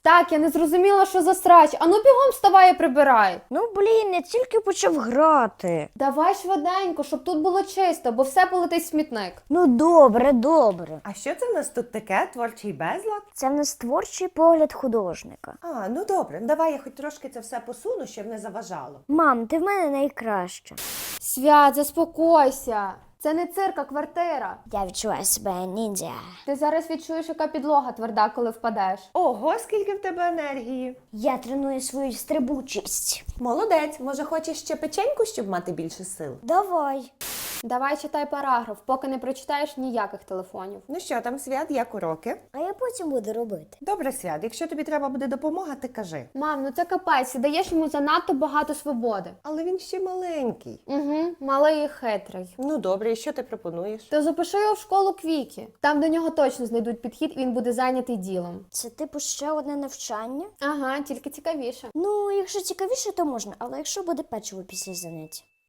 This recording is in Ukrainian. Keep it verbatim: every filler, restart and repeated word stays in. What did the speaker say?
Так, я не зрозуміла, що за срач. Ану бігом вставай і прибирай. Ну, блін, я тільки почав грати. Давай швиденько, щоб тут було чисто, бо все полетить в смітник. Ну, добре, добре. А що це в нас тут таке? Творчий безлад? Це в нас творчий погляд художника. А, ну добре, давай я хоч трошки це все посуну, щоб не заважало. Мам, ти в мене найкраща. Свят, заспокойся. Це не цирк, а квартира. Я відчуваю себе ніндзя. Ти зараз відчуєш, яка підлога тверда, коли впадеш. Ого, скільки в тебе енергії. Я треную свою стрибучість. Молодець, може хочеш ще печеньку, щоб мати більше сил? Давай. Давай читай параграф, поки не прочитаєш ніяких телефонів. Ну що там, Свят, як уроки? А я потім буду робити. Добре, Свят, якщо тобі треба буде допомога, ти кажи. Мам, ну це капець, ти даєш йому занадто багато свободи. Але він ще маленький. Угу, малий і хитрий. Ну добре, і що ти пропонуєш? То запиши його в школу Квікі. Там до нього точно знайдуть підхід, і він буде зайнятий ділом. Це типу ще одне навчання? Ага, тільки цікавіше. Ну, якщо цікавіше, то можна, але якщо буде печиво після заняття.